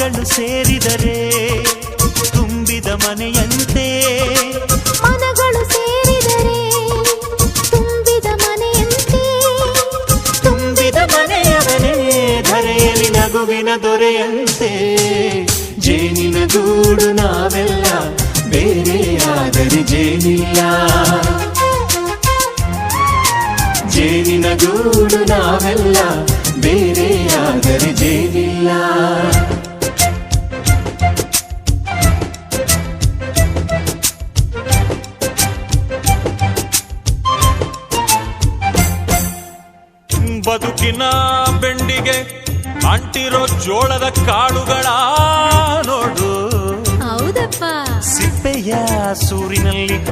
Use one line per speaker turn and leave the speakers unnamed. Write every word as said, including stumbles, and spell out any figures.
ಮನೆಗಳು ಸೇರಿದರೆ ತುಂಬಿದ ಮನೆಯಂತೆ
ಮನಗಳು ಸೇರಿದರೆ ತುಂಬಿದ ಮನೆಯಂತೆ
ತುಂಬಿದ ಮನೆಯವನೇ ಧರೆಯಲ್ಲಿ ನಗುವಿನ ದೊರೆಯಂತೆ ಜೇನಿನ ಗೂಡು ನಾವೆಲ್ಲ ಬೇರೆಯಾದರೆ ಜೇನಿಲ್ಲ ಜೇನಿನ ಗೂಡು ನಾವೆಲ್ಲ ಬೇರೆಯಾದರೆ ಜೇನಿಲ್ಲ ಬದುಕಿನ ಬೆಂಡಿಗೆ ಅಂಟಿರೋ ಜೋಳದ ಕಾಳುಗಳ ನೋಡು
ಹೌದಪ್ಪ
ಸಿಪ್ಪೆಯ ಸೂರಿನಲ್ಲಿ